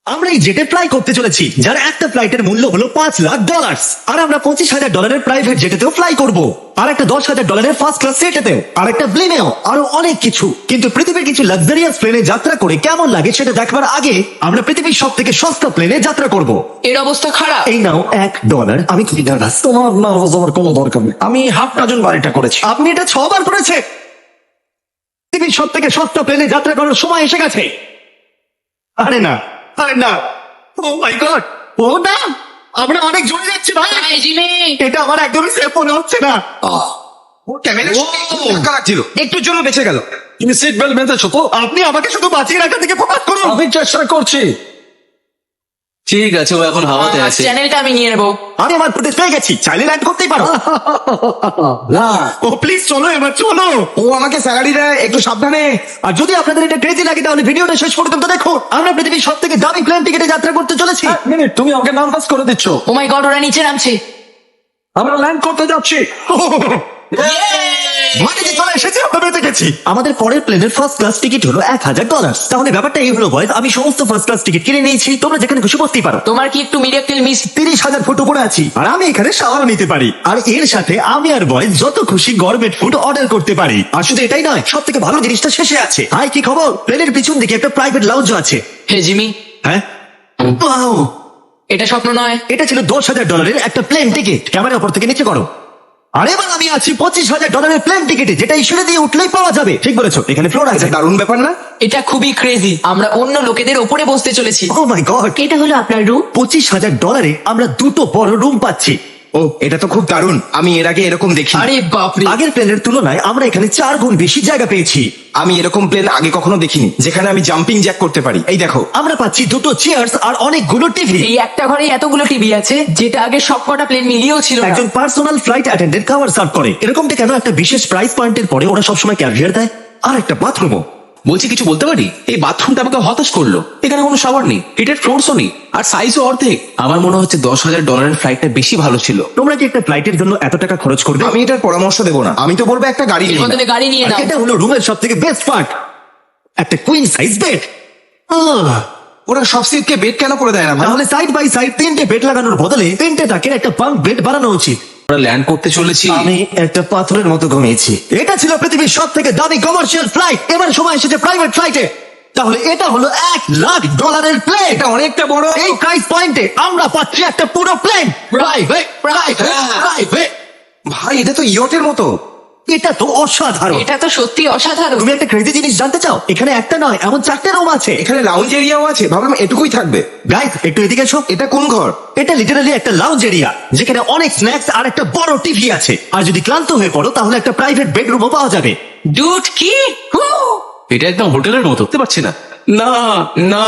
আমরা এই জেটে ফ্লাই করতে চলেছি, যার একটা ফ্লাইটের মূল্য হলো $5,00,000। আর আমরা $25,000 প্রাইভেট জেটেতেও ফ্লাই করব, আর একটা $10,000 ফার্স্ট ক্লাস সিটেতেও, আর একটা প্লেনেও, আরো অনেক কিছু। কিন্তু পৃথিবীর কিছু লাক্সারিয়াস প্লেনে যাত্রা করে কেমন লাগে সেটা দেখবার আগে আমরা পৃথিবীর সব থেকে সস্তা প্লেনে যাত্রা করব। এর অবস্থা খারাপ। এই নাও $1। আমি খুবই নার্ভাস। তোমার নার্ভাস হওয়ার কোনো দরকার নেই, আমি হাফ ডজন বার এটা করেছি। আপনি এটা 6 বার করেছে। পৃথিবীর সব থেকে সস্তা প্লেনে যাত্রা করার সময় এসে গেছে। আরে না, আরে না, ও মাই গড, ও না, আমরা অনেক জোরে যাচ্ছি ভাই। হাই জিমি, এটা আমার একদমই সেফ মনে হচ্ছে না। ও ক্যামেরা ধাক্কা লাগছিল, একটুর জন্য বেঁচে গেল। তুমি সিট বেল্ট বেঁধেছো তো? আপনি আমাকে শুধু বাঁচিয়ে রাখার দিকে ফোকাস করুন। আমি চেষ্টা করছি। ঠিক আছে, ও এখন হাওয়াতে আছে। চ্যানেলটা আমি নিয়ে নেবো। আমি আমার ফুটেজ পেয়ে গেছি, চাইলে ল্যান্ড করতেই পারো। না, ও প্লিজ চলো, এবার চলো। ও আমাকে স্যালারি দেয়, একটু সাবধানে। আর যদি আপনাদের এটা ক্রেজি লাগে তাহলে ভিডিওটা শেষ পর্যন্ত দেখো। আমরা পৃথিবীর সব থেকে দামি প্লেন টিকেটে যাত্রা করতে চলেছি। এক মিনিট, তুমি আমাকে নার্ভাস করে দিচ্ছ। ও মাই গড, ওরা নিচে নামছে। আমরা ল্যান্ড করতে যাচ্ছি। মাটিতে চলে এসেছি, আমরা বেঁচে গেছি। আমাদের পরের প্লেনের ফার্স্ট ক্লাস টিকিট হলো $1,000। তাহলে ব্যাপারটা এই হলো বয়স, আমি সমস্ত ফার্স্ট ক্লাস টিকিট কিনে নিয়েছি, তোমরা যেখানে খুশি বসতেই পারো। তোমার কি একটু মিরাকেল মিস? 30,000 ফুট উপরে আছি, আর আমি এখানে শাওয়ার নিতে পারি। আর এর সাথে আমি আর বয়েজ যত খুশি গরমেট ফুড অর্ডার করতে পারি। আর শুধু এটাই নয়, সব থেকে ভালো জিনিসটা শেষে আছে। হাই, কি খবর? প্লেনের পিছন দিকে একটা প্রাইভেট লাউঞ্জ আছে। হে জিমি, হ্যাঁ, Wow! এটা স্বপ্ন নয়। এটা ছিল $10,000 একটা প্লেন টিকিট। ক্যামেরা উপর থেকে নিচে করো। আর এবার আমি আছি $25,000 প্লেন টিকিটে, যেটা এই সিঁড়ি দিয়ে উঠলেই পাওয়া যাবে। ঠিক বলেছো, এখানে ফ্লোর আছে। দারুণ ব্যাপার না? এটা খুবই ক্রেজি। আমরা অন্য লোকেদের ওপরে বসতে চলেছি। ও মাই গড, এটা হলো আপনার রুম। $25,000 আমরা দুটো বড় রুম পাচ্ছি। ও, এটা তো খুব দারুণ, আমি এর আগে এরকম দেখি। আরে বাপরে, আগের প্লেনের তুলনায় আমরা এখানে 4 গুণ বেশি জায়গা পেয়েছি। আমি এরকম প্লেন আগে কখনো দেখিনি যেখানে আমি জাম্পিং জ্যাক করতে পারি। এই দেখো, আমরা পাচ্ছি দুটো চেয়ার্স আর অনেকগুলো টিভি। এই একটা ঘরে এতগুলো টিভি আছে, যেটা আগে সবকটা প্লেন মিলিয়েও ছিল না। একজন পার্সোনাল ফ্লাইট অ্যাটেন্ডেন্ট খাবার সার্ভ করে। এরকমটা কেন? একটা বিশেষ প্রাইস পয়েন্টের পরে ওরা সবসময় ক্যাভিয়ার দেয়, আর একটা বাথরুমও। বলছি, কিছু বলতে পারি? এই বাথরুমটা আমাকে হতাশ করলো। এখানে কোনো শাওয়ার নেই, হিটেড ফ্লোরসও নেই, আর সাইজও অর্ধেক। আমার মনে হচ্ছে $10,000 ফ্লাইটটা বেশি ভালো ছিল। তোমরা কি একটা ফ্লাইটের জন্য এত টাকা খরচ করবে? আমি এটার পরামর্শ দেবো না, আমি তো বলবো একটা গাড়ি এর নিয়ে বদলে গাড়ি নিয়ে আর নাও। এটা হলো রুমের সব থেকে বেস্ট পার্ট, একটা কুইন সাইজ বেড। ওরা সব সিটকে বেড কেন করে দেয় না ভাই? তাহলে সাইড বাই সাইড 3টে বেড লাগানোর বদলে 3টে টাকের একটা বাঙ্ক বেড বানানো উচিত। আমরা ল্যান্ড করতে চলেছি। আমি একটা পাথরের মতো ঘুমিয়েছি। এটা ছিল পৃথিবীর সব থেকে দামি কমার্শিয়াল ফ্লাইট। এবার সময় এসেছে প্রাইভেট ফ্লাইটে। তাহলে এটা হলো $1,00,000 প্লেন। এটা অনেকটা বড়। এই প্রাইস পয়েন্টে আমরা পাচ্ছি একটা পুরো প্লেন। Private, private, private. ভাই, এটা তো ইয়টের মতো। এটা তো অসাধারণ। এটা তো সত্যি অসাধারণ। তুমি একটা ক্রেজি জিনিস জানতে চাও? এখানে একটা নয়, এমন 4টে রুম আছে। এখানে লাউঞ্জ এরিয়াও আছে, ভাবলাম এটুকুই থাকবে। গাইস, একটু এদিকে এসো। এটা কোন ঘর? এটা লিটারালি একটা লাউঞ্জ এরিয়া, যেখানে অনেক স্ন্যাক্স আর একটা বড় টিভি আছে। আর যদি ক্লান্ত হয়ে পড়ো তাহলে একটা প্রাইভেট বেডরুমও পাওয়া যাবে। ডুড কি? এটা একদম হোটেলের মতো, বুঝতে পারছি না। না না,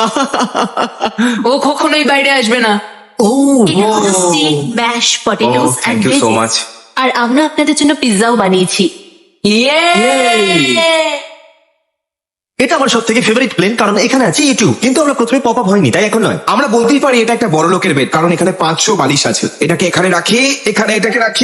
ও কখনোই বাইরে আসবে না। এটা হলো steak mash potatoes and thank you so much. আর আমরা আপনাদের জন্য পিৎজাও বানিয়েছি। ইয়ে! এটা আমার সব থেকে ফেভারিট প্লেন, কারণ এখানে আছে ইউটিউব। কিন্তু আমরা প্রথমে পপ আপ হয়নি, তাই এখন নয়। আমরা বলতেই পারি এটা একটা বড় লোকের বেড, কারণ এখানে 500 বালিশ আছে। এটাকে এখানে রাখি, এখানে এটাকে রাখি।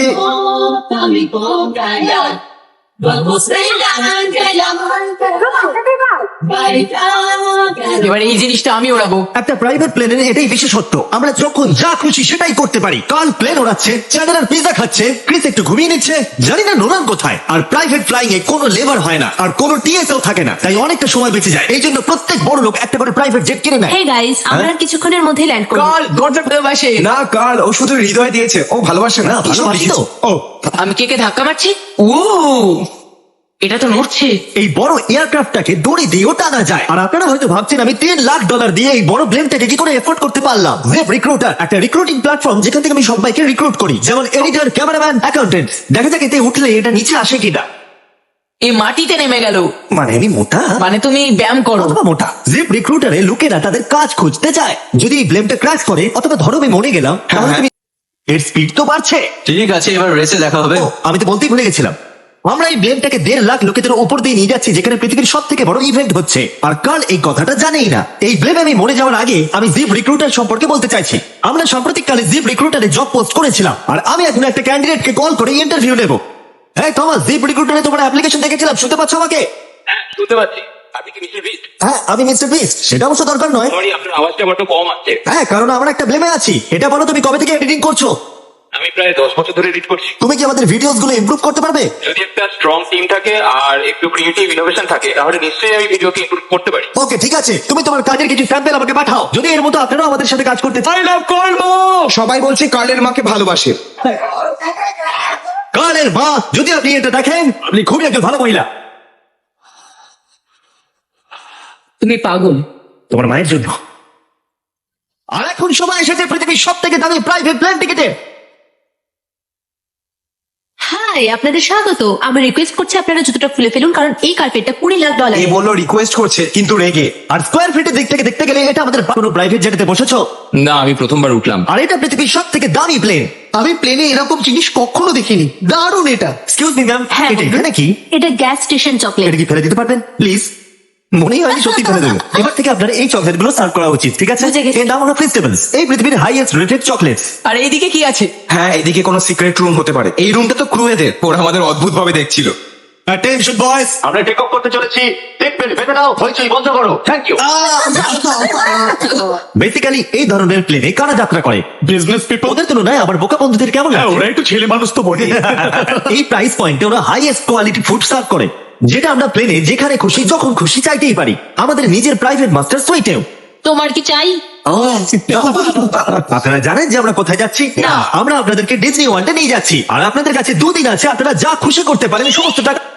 এবার এই জিনিসটা আমি ওড়াবো। একটা প্রাইভেট প্লেনের এটাই বিশেষত্ব, আমরা যখন যা খুশি সেটাই করতে পারি। কাল প্লেন ওড়াচ্ছে, চ্যানেলার পিজা খাচ্ছে, ক্রিস একটু ঘুমিয়ে নিচ্ছে, জানি না নোলান কোথায়। আর প্রাইভেট ফ্লাইং এ কোনো লেবার হয় না, আর কোনো টিএসও থাকে না, তাই অনেকটা সময় বেঁচে যায়। এই জন্য প্রত্যেক বড় লোক একটা করে প্রাইভেট জেট কিনে নেয়। হে গাইস, আমরা আর কিছুক্ষণের মধ্যে ল্যান্ড করব। কাল দরজা ভালোবাসে। না কাল, ও শুধু হৃদয় দিয়েছে, ও ভালোবাসে না। ভালোবাসি তো। ও, আমি কে ধাক্কা মারছি? ও, এটা তো নড়ছে। এই বড় এয়ারক্রাফটটাকে দড়ি দিয়েও টানা যায়। আর আপনারা হয়তো ভাবছেন আমি $3,00,000 দিয়ে এই বড় প্লেনটাকে কি করে এফোর্ড করতে পারলাম। ওয়েব রিক্রুটার, একটা রিক্রুটিং প্ল্যাটফর্ম যেখান থেকে আমি সবাইকে রিক্রুট করি, যেমন এডিটর, ক্যামেরাম্যান, অ্যাকাউন্টেন্ট। দেখা যাক এতে উঠলে এটা নিচে আসে কিনা। এই মাটিতে নেমে গেল। মানে আমি মোটা, মানে তুমি ব্যায়াম করো। অথবা মোটা। জিপ রিক্রুটারে লোকেরা তাদের কাজ খুঁজতে যায়। যদি এই ব্লেমটা ক্র্যাশ করে, অথবা ধরো আমি মরে গেলাম, তাহলে হ্যাঁ। তুমি এর স্পিড তো বাড়ছে। ঠিক আছে, এবার রেসে দেখা হবে। ও, আমি তো বলতেই ভুলে গেছিলাম। আমরা এই ব্লেমটাকে 1.5 লাখ লোকেদের উপর দিয়ে নিয়ে যাচ্ছি, যেখানে পৃথিবীর সব থেকে বড় ইভেন্ট হচ্ছে। আর কাল এই কথাটা জানেই না। এই ব্লেমে আমি মরে যাওয়ার আগে আমি জিপ রিক্রুটার সম্পর্কে বলতে চাইছি। আমরা সাম্প্রতিককালে জিপ রিক্রুটারে জব পোস্ট করেছিলাম, আর আমি এখন একটা ক্যান্ডিডেটকে কল করে ইন্টারভিউ নেব। হ্যাঁ থমাস, জিপ রিক্রুটারে তোমার অ্যাপ্লিকেশন দেখেছিলাম, শুনতে পাচ্ছ আমাকে? শুনতে পাচ্ছি। আপনি কি মিস্টার বিস্ট? হ্যাঁ আমি মিস্টার বিস্ট, সেটা অবশ্য দরকার নয়। সরি, আপনার আওয়াজটা বড্ড কম আসছে। হ্যাঁ কারণ আমরা একটা ব্লেমে আছি। এটা বলো তুমি কবে থেকে এডিটিং করছো? আমি প্রায় 10 বছর ধরে এডিট করছি। তুমি কি আমাদের ভিডিওস গুলো ইমপ্রুভ করতে পারবে? যদি একটা স্ট্রং টিম থাকে আর একটু ক্রিয়েটিভ ইনোভেশন থাকে তাহলে নিশ্চয়ই আমি ভিডিওকে ইমপ্রুভ করতে পারি। ওকে ঠিক আছে, তুমি তোমার কাজের কিছু স্যাম্পল আমাকে পাঠাও। যদি এর মতো আপনারাও আমাদের সাথে কাজ করতে চান। সবাই বলছে কার্লের মাকে ভালোবাসে। কালের মা, যদি আপনি এটা দেখেন, আপনি খুবই একজন ভালো মহিলা। তুমি পাগল। তোমার মায়ের জন্য। আর এখন সময় এসেছে পৃথিবীর সব থেকে দামি প্রাইভেট প্লেন টিকেটের। হাই, আপনাদের স্বাগত। আমি রিকোয়েস্ট করছি আপনারা জুতোটা খুলে ফেলুন, কারণ এই কার্পেটটা $20 এ বললো রিকোয়েস্ট করছে কিন্তু রেগে। আর স্কোয়ার ফিটের দিক থেকে দেখতে গেলে এটা আমাদের কোনো প্রাইভেট জেটেতে বসেছো। না, আমি প্রথমবার উঠলাম। আর এটা পৃথিবীর সব থেকে দামি প্লেন। আমি প্লেনে এরকম জিনিস কখনো দেখিনি, দারুণ এটা। এক্সকিউজ মি ম্যাম, হ্যাঁ, এটা বলুন। এখানে কি? এটা গ্যাস স্টেশন চকলেট। এটা কি ফেলে দিতে পারবেন প্লিজ? মনেই হয়নি সত্যি ফেলে দেবো। এবার থেকে আপনার এই চকলেট গুলো সার্ভ করা উচিত, ঠিক আছে? বুঝে গেছি। এর নাম হলো ফেস্টিভ্যালস, এই পৃথিবীর হাইয়েস্ট রেটেড চকলেট। আর এইদিকে কি আছে? হ্যাঁ, এদিকে কোনো সিক্রেট রুম হতে পারে। এই রুমটা তো ক্রুয়েদের, ওরা আমাদের অদ্ভুত ভাবে দেখছিল। অ্যাটেনশন বয়েজ, আমরা টেক অফ করতে চলেছি। টেক বেল্ট বেঁধে নাও, হইচই বন্ধ করো। Thank you. বেসিক্যালি এই ধরনের প্লেনে কারা যাত্রা করে? Business people. ওদের তুলনায় আমার বোকা বন্ধুদের কেমন লাগে? ওরা একটু ছেলে মানুষ তো বটে। এই প্রাইস পয়েন্টে ওরা হাইয়েস্ট কোয়ালিটি ফুড সার্ভ করে, যেটা আমরা প্লেনে যেখানে খুশি যখন খুশি চাইতেই পারি। আমাদের নিজের প্রাইভেট মাস্টার সুইটেও। তোমার কি চাই? আপনারা জানেন যে আমরা কোথায় যাচ্ছি? আমরা আপনাদেরকে ডিজনি ওয়ার্ল্ডে নিয়ে যাচ্ছি। আর আপনাদের কাছে 2 দিন আছে, আপনারা যা খুশি করতে পারেন, সমস্ত টাকা